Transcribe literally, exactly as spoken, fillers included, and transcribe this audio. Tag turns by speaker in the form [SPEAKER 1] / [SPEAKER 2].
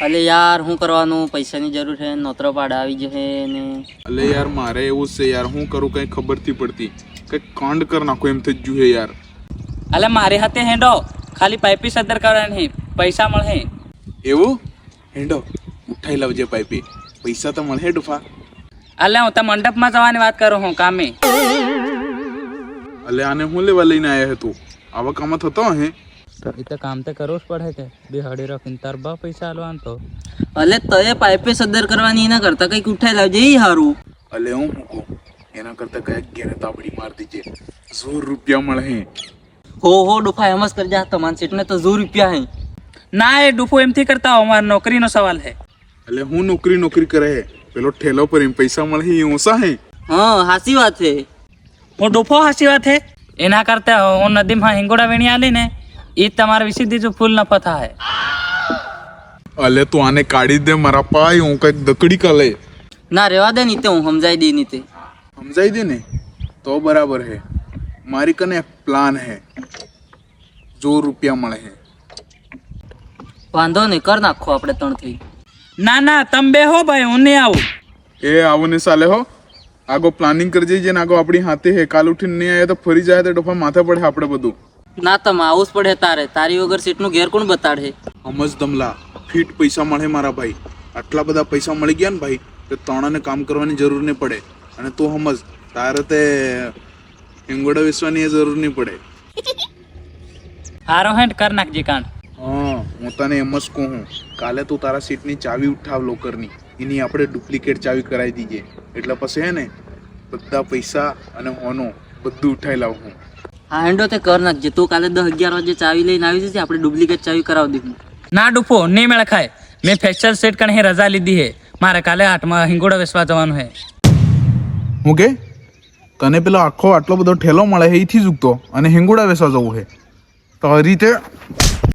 [SPEAKER 1] અલે યાર હું કરવાનું, પૈસાની જરૂર છે, નોતરો પાડા આવી જશે ને.
[SPEAKER 2] અલે યાર મારે એવું છે યાર, હું કરું કઈ ખબર થી પડતી, કઈ કાંડ કર નાખો એમ થઈ ગયું હે યાર.
[SPEAKER 3] અલે મારી હાથે હેંડો, ખાલી પાઇપી સદર કરવાની, પૈસા મળે.
[SPEAKER 2] એવું હેંડો ઉઠાઈ લાવજે પાઇપી, પૈસા તો મળે ડુફા.
[SPEAKER 3] અલે હું તો મંડપમાં જવાની વાત કરું હું કામે.
[SPEAKER 2] અલે આને હું લેવા લઈને આવ્યા હતું, આવા કામ થતો હે.
[SPEAKER 3] એ તો કામ તો કરવું જ પડે કે બે હડી રાખીને તાર બા પૈસા આલવાનું તો.
[SPEAKER 1] અલે તય પાઇપે સદર કરવાની એના કરતા કંઈક ઉઠાઈ લાવજે ઈ હારું.
[SPEAKER 2] અલે હું મૂકો એના કરતા કઈક ઘેરે તાબડી માર દીજે, સો રૂપિયા મળે.
[SPEAKER 1] હો હો ડોફા એમ જ કરજા, તમારા સીટને તો સો રૂપિયા હે.
[SPEAKER 3] ના એ ડૂફો એમથી કરતા હો, અમારી નોકરીનો સવાલ હે.
[SPEAKER 2] અલે હું નોકરી નોકરી કરે હે, પેલો ઠેલો પર એમ પૈસા મળે એ ઓછા હે.
[SPEAKER 1] હા હાસી વાત છે.
[SPEAKER 3] હું ડૂફો હાસી વાત હે, એના કરતા હું નદીમાં હિંગોડા વીણી આલી ને એ તમારા વિશે જો ફૂલ નફા થાય.
[SPEAKER 2] અલે તું આને કાઢી દે મારા પાય, હું કઈક દકડી કાલે.
[SPEAKER 1] ના રેવા દે નીતે, હું સમજાઈ દે નીતે.
[SPEAKER 2] સમજાઈ દે ને તો બરાબર હે. મારી કને એક પ્લાન હે, જો રૂપિયા મળે હે.
[SPEAKER 1] વાંધો નહીં, કર નાખો આપણે ત્રણ થઈ.
[SPEAKER 3] ના ના તમે બે હો ભાઈ, હું નહીં આવું.
[SPEAKER 2] એ આવો ને સાલે હો, આગો પ્લાનિંગ કરી જઈએ ને આગો આપણી હાથે હે. કાલ ઉઠીને નહીં આવે તો ફરી જાય તો ડોફા માથે પડે આપણે બધું.
[SPEAKER 1] ના તમે આવું જ પડે તારે, તારી વગર સીટનું ઘેર કોણ બતાડે.
[SPEAKER 2] સમજ દમલા, ફીટ પૈસા મળે મારા ભાઈ. આટલા બધા પૈસા મળી ગયા ને ભાઈ તો તણાને કામ કરવાની જરૂર નહીં પડે. અને તું સમજ, તારે તે હિંગોડા વેચવાની જરૂર નહીં પડે.
[SPEAKER 3] હારો હેન્ડ કર નાખજે કાંડ.
[SPEAKER 2] હા હું તને એમ જ કહું, કાલે તું તારા સીટની ચાવી ઉઠાવ લોકરની, એની આપણે ડુપ્લિકેટ ચાવી કરાવી દઈએ. એટલે પછી હે ને બધા પૈસા અને હોનો બધું ઉઠાઈ લાવું.
[SPEAKER 1] હા હેન્ડો તે કર નાખજે. તું કાલે દસ અગિયાર વાગે ચાવી લઈને આવી જશે, આપણે ડુપ્લિકેટ ચાવી કરાવી દઈશું.
[SPEAKER 3] ના ડૂફો નહીં મેળ ખાય, મેં ફેસ્ટિવલ સેટ કરીને રજા લીધી હે, મારે કાલે આઠમાં હિંગોડા વેચવા જવાનું હે.
[SPEAKER 2] હું કે તને પેલો આખો આટલો બધો ઠેલો મળે હે એથી જ ઉગતો અને હિંગોડા વેચવા જવું હે તો આ રીતે